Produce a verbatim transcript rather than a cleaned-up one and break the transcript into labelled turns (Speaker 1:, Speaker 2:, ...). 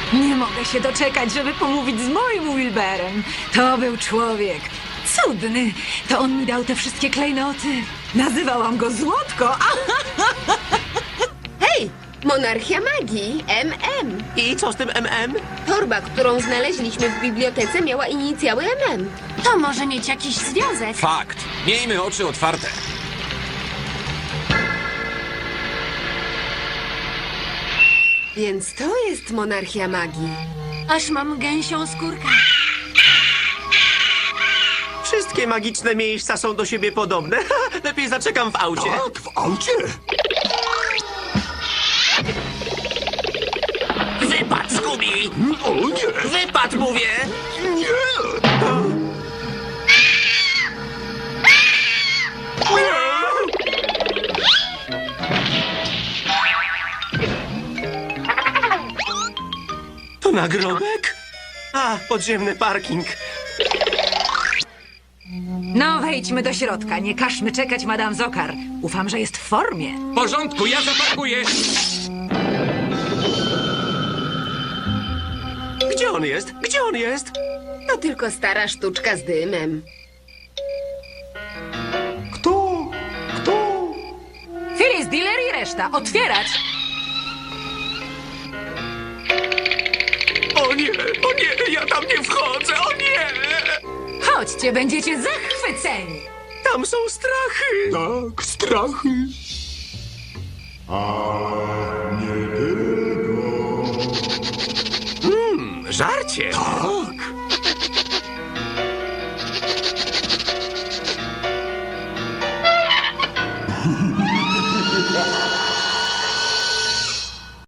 Speaker 1: Nie mogę się doczekać, żeby pomówić z moim Wilberem. To był człowiek cudny. To on mi dał te wszystkie klejnoty. Nazywałam go Złotko. A,
Speaker 2: Hej! Monarchia Magii, M M.
Speaker 3: I co z tym M M?
Speaker 2: Torba, którą znaleźliśmy w bibliotece, miała inicjały M M.
Speaker 4: To może mieć jakiś związek.
Speaker 5: Fakt. Miejmy oczy otwarte.
Speaker 2: Więc to jest Monarchia Magii.
Speaker 4: Aż mam gęsią skórkę.
Speaker 3: Wszystkie magiczne miejsca są do siebie podobne. Lepiej zaczekam w aucie.
Speaker 6: Tak, w aucie?
Speaker 3: Wypad, Scooby!
Speaker 6: O nie!
Speaker 3: Wypad, mówię!
Speaker 6: Nie!
Speaker 3: To nagrobek? A, podziemny parking.
Speaker 1: no, wejdźmy do środka. Nie każmy czekać, Madame Zokar. Ufam, że jest w formie.
Speaker 5: W porządku, ja zaparkuję.
Speaker 3: Gdzie on jest? Gdzie on jest?
Speaker 2: To tylko stara sztuczka z dymem.
Speaker 6: Kto? Kto?
Speaker 1: Phyllis, Diller i reszta. Otwierać!
Speaker 3: O nie, o nie, ja tam nie wchodzę, o nie!
Speaker 1: Chodźcie, będziecie zachwyceni.
Speaker 3: Tam są strachy.
Speaker 6: Tak, strachy. A nie tylko.
Speaker 3: Żarcie.
Speaker 6: Tak.